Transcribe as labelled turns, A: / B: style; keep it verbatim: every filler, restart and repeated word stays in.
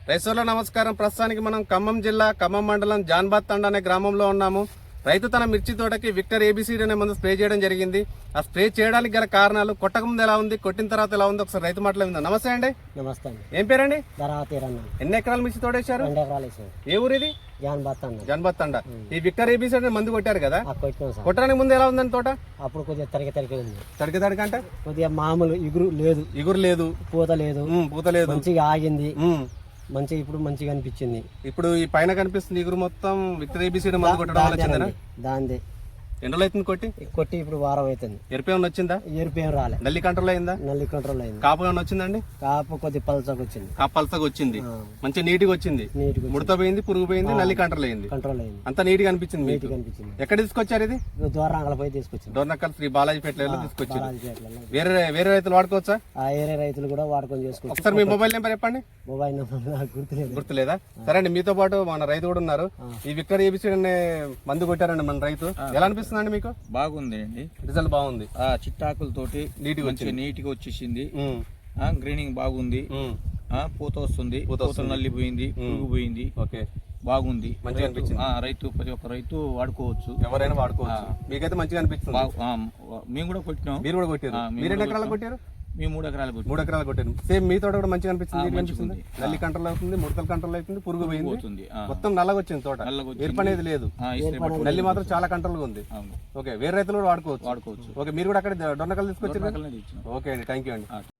A: రైతుల నమస్కారం. ప్రస్తుతానికి మనం ఖమ్మం జిల్లా ఖమ్మం మండలం జాన్బాద్ తండ అనే గ్రామంలో ఉన్నాము. రైతు తన మిర్చి తోటకి విక్టర్ ఏబిసిడి అనే మందు స్ప్రే చేయడం జరిగింది. ఆ స్ప్రే చేయడానికి గల కారణాలు, కొట్టక ముందు ఎలా ఉంది, కొట్టిన తర్వాత ఎలా ఉంది, ఒకసారి రైతు మాటలు విందాం. నమస్తే అండి.
B: నమస్తే అండి.
A: ఏం పేరండి?
B: ధరావతిరన్న.
A: ఎన్ని ఎకరాల మిర్చి తోడేశారు?
B: రెండు ఎకరాలు వేసారు.
A: ఏ ఊరు ఇది?
B: జాన్బాద్ తండ.
A: జాన్బాద్ తండ. ఈ విక్టర్ ఏబిసిడి అనే మందు కొట్టారు కదా,
B: ఆ కొట్టినాం సార్.
A: కొట్టడానికి ముందు ఎలా ఉందండి తోట?
B: అప్పుడు కొద్దిగా తరిగి తరిగి ఉంది.
A: తడికి తడికి అంటే
B: కొద్దిగా మామూలు ఇగురు లేదు,
A: ఇగురు లేదు,
B: పూత లేదు,
A: ఉమ్, పూత లేదు,
B: మంచిగా ఆగింది,
A: ఉమ్.
B: మంచిగా ఇప్పుడు మంచిగా అనిపించింది.
A: ఇప్పుడు ఈ పైన కనిపిస్తుంది ఇగురు మొత్తం విక్టర్ ఏబిసిడి మందు కొట్టడం వల్ల వచ్చిందా?
B: దాందే
A: ఎన్ని రోజులు అవుతుంది కొట్టి?
B: కొట్టి ఇప్పుడు వారం అవుతుంది.
A: ఎరుపు ఏమైనా వచ్చిందా?
B: ఎరుపు ఏం రాలే.
A: నల్లి కంట్రోల్ అయిందా?
B: నల్లి కంట్రోల్ అయింది.
A: కాపు ఏమైనా వచ్చిందండి?
B: కాపు కొద్ది పలసకు వచ్చింది.
A: కాపు పలసగా వచ్చింది,
B: ఆ.
A: మంచి నీట్గా వచ్చింది,
B: నీట్గా
A: ముడత పోయింది, పురుగు పోయింది, నల్లి కంట్రోల్ అయింది,
B: కంట్రోల్ అయింది.
A: అంతా నీట్ గా అనిపించింది మీకు.
B: నీట్గా అనిపించింది.
A: ఎక్కడ తీసుకొచ్చారు ఇది?
B: దూరంగా పోయి తీసుకొచ్చింది.
A: డోర్నక్కల్ శ్రీ బాలాజీ పేటలో తీసుకొచ్చారు.
B: బాలాజీపేటలో.
A: వేరే వేరే రైతులు వాడుకోవచ్చా?
B: ఆ ఏరియా రైతులు కూడా వాడుకొని చేసుకోవచ్చు.
A: ఒకసారి మీ మొబైల్ నెంబర్ చెప్పండి.
B: మొబైల్ నెంబర్ నాకు గుర్తులేదు.
A: గుర్తులేదా? సరే అండి, మీతో పాటు మన రైతు కూడా ఉన్నారు. ఈ విక్టర్ ఏబిసిడి అనే మందు కొట్టారండి మన రైతు. ఎలా అనిపిస్తుందండి మీకు?
C: బాగుంది అండి,
A: రిజల్ట్ బాగుంది.
C: ఆ చిట్టాకులతోటి
A: నీట్గా
C: మంచిగా నీట్ గా వచ్చేసింది.
A: ఉమ్,
C: ఆ గ్రీనింగ్ బాగుంది.
A: ఉమ్,
C: ఆ పూత వస్తుంది,
A: పూత
C: పూత
A: వస్తుంది.
C: నల్లిపోయింది, పురుగు పోయింది,
A: ఓకే,
C: బాగుంది.
A: మంచిగా
C: రైతు-
A: అనిపించింది.
C: ఆ, రైతు ప్రతి ఒక్క రైతు వాడుకోవచ్చు.
A: ఎవరైనా వాడుకోవచ్చు. మీకైతే మంచిగా అనిపిస్తుంది.
C: బాగు- ఆ, మేము కూడా కొట్టినాం.
A: మీరు కూడా కొట్టారు.
C: ఆ, మేము
A: మీరు ఎన్ని
C: కూడా
A: ఎకరాలు
C: కొట్టాం.
A: కొట్టారు?
C: మేము మూడు ఎకరాలు కొట్టినాం.
A: మూడు ఎకరాలు కొట్టారు. సేమ్ మీ తోట కూడా మంచిగా అనిపిస్తుంది.
C: ఆ,
A: నీట్గా
C: మంచిగా
A: అనిపిస్తుంది.
C: ఉంది.
A: నల్లి కంట్రోల్ అవుతుంది, ముడతలు కంట్రోల్ అవుతుంది, పురుగు పోయింది,
C: పోతుంది. ఆ,
A: మొత్తం నల్లగా వచ్చింది తోట.
C: నల్లగా వచ్చింది.
A: ఎరుపు అనేది లేదు.
C: ఆ, ఇస్త్రీ పట్టు
A: నల్లి మాత్రం చాలా కంట్రోల్ గా ఉంది.
C: అవును,
A: ఓకే, వేరే రైతులు కూడా వాడుకోవచ్చు.
C: వాడుకోవచ్చు.
A: ఓకే, మీరు కూడా అక్కడ డొన్నకల్ తీసుకొచ్చారు.
C: రకాలనే తెచ్చినాం.
A: ఓకే అండి, థ్యాంక్ యూ అండి.
C: ఆ.